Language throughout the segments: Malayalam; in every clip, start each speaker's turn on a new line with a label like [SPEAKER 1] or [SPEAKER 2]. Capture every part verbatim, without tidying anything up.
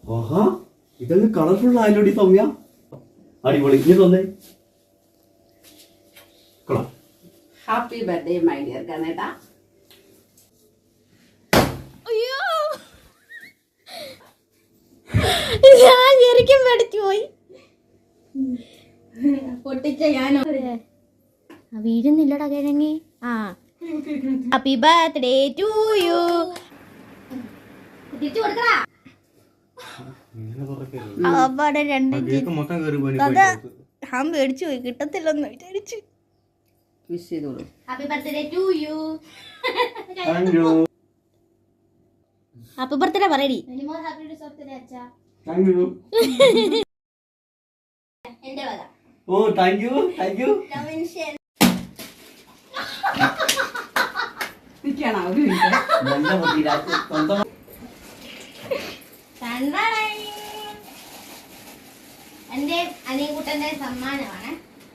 [SPEAKER 1] ആഹാ ഇതൊക്കെ കളർഫുൾ ആയാലോടി സൗമ്യ. അടിപൊളി. ഇനി തോന്നേ
[SPEAKER 2] ഹാപ്പി ബർത്ത്ഡേ മൈ ഡിയർ കനേട്ടാ.
[SPEAKER 3] അയ്യോ ഞാൻ ശരിക്കും പഠിച്ചു പോയി.
[SPEAKER 2] പൊട്ടിച്ച ഞാൻ
[SPEAKER 3] വീഴുന്നില്ലടാ കിഴങ്ങി. ആ ഹാപ്പി ബർത്ത്ഡേ ടു യു. തിരിച്ചു കൊടുക്കടാ. അവിടെ രണ്ട് ഞാൻ മേടിച്ചു പോയി, കിട്ടത്തില്ലെന്ന് വിചാരിച്ചു.
[SPEAKER 2] വിഷ് ചെയ്തോളൂ.
[SPEAKER 3] Happy birthday to you. Happy birthday പറയടി. എന്റെ വക.
[SPEAKER 1] Oh thank you thank you.
[SPEAKER 3] എന്റെ അനിയൻകുട്ടന്റെ സമ്മാനമാണ്.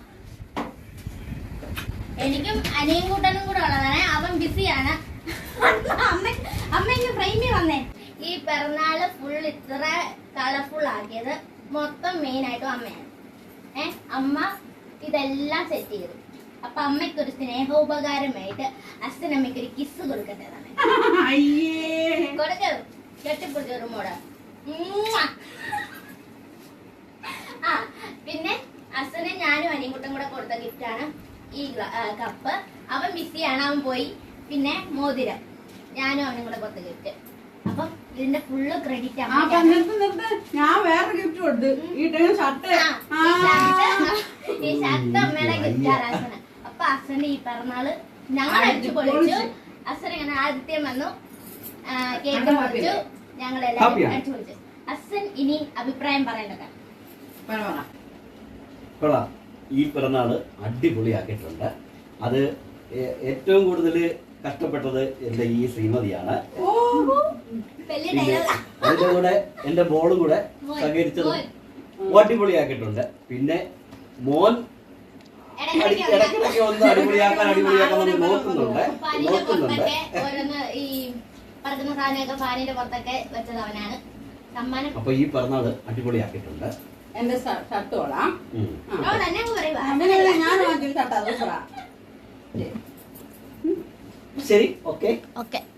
[SPEAKER 3] എനിക്കും അനിയൻകുട്ടനും കൂടെ ഉള്ളതാണ്. അവൻ ബിസിയാണ്. അമ്മ അമ്മയ്ക്ക് ഫ്രെയിമിൽ വന്നേ. ഈ പിറന്നാള് ഫുൾ ഇത്ര കളർഫുൾ ആക്കിയത് മൊത്തം മെയിൻ ആയിട്ടും അമ്മയാണ്. ഏ അമ്മ ഇതെല്ലാം സെറ്റ് ചെയ്തു. അപ്പൊ അമ്മയ്ക്കൊരു സ്നേഹോപകാരമായിട്ട് അച്ഛനമ്മയ്ക്ക് ഒരു കിസ് കൊടുക്കേണ്ടതാണ്. കൊടുക്കൂ. കെട്ടിപ്പിടിച്ചൊരു മോട. ആ പിന്നെ അച്ഛനെ ഞാനും അനിയൻകുട്ടും കൂടെ കൊടുത്ത ഗിഫ്റ്റാണ് ഈ കപ്പ്. അവൻ ബിസിയാണ്, അവൻ പോയി. പിന്നെ മോതിരം ഞാനും അവനും കൂടെ കൊടുത്ത ഗിഫ്റ്റ്. അപ്പൊ ഇതിന്റെ ഫുള്ള് ക്രെഡിറ്റ്
[SPEAKER 2] ഞാൻ വേറെ ഗിഫ്റ്റ് കൊടുത്തു. ഈ ഷർട്ട്
[SPEAKER 3] ഈ ഷർട്ട് അമ്മയുടെ ഗിഫ്റ്റാണ് അച്ഛന്. അപ്പൊ അച്ഛന്റെ ഈ പിറന്നാള് ഞങ്ങൾ അടിച്ചു പൊളിച്ചു. അച്ഛൻ ഇങ്ങനെ ആദിത്യം വന്നു, കേക്ക് പൊളിച്ചു, ഞങ്ങളെല്ലാവരും അടിച്ചു പൊളിച്ചു. അച്ഛൻ ഇനി അഭിപ്രായം പറയേണ്ടത്.
[SPEAKER 1] കൊള്ളാം. ഈ പിറന്നാള് അടിപൊളിയാക്കിയിട്ടുണ്ട്. അത് ഏറ്റവും കൂടുതൽ കഷ്ടപ്പെട്ടത് എന്റെ ഈ ശ്രീമതിയാണ്. അതിന്റെ കൂടെ എന്റെ മോളും കൂടെ സഹകരിച്ചത് അടിപൊളിയാക്കിയിട്ടുണ്ട്. പിന്നെ മോൻ ഇടയ്ക്കിടയ്ക്ക് ഒന്ന് അടിപൊളിയാക്കാൻ അടിപൊളിയാക്കാൻ നമ്മൾ നോക്കുന്നുണ്ട് നോക്കുന്നുണ്ട് അപ്പൊ ഈ പിറന്നാള് അടിപൊളിയാക്കിയിട്ടുണ്ട്.
[SPEAKER 2] എന്റെ ഷർട്ട് കൊള്ളാം.
[SPEAKER 1] ശരി ഓക്കെ
[SPEAKER 3] ഓക്കെ.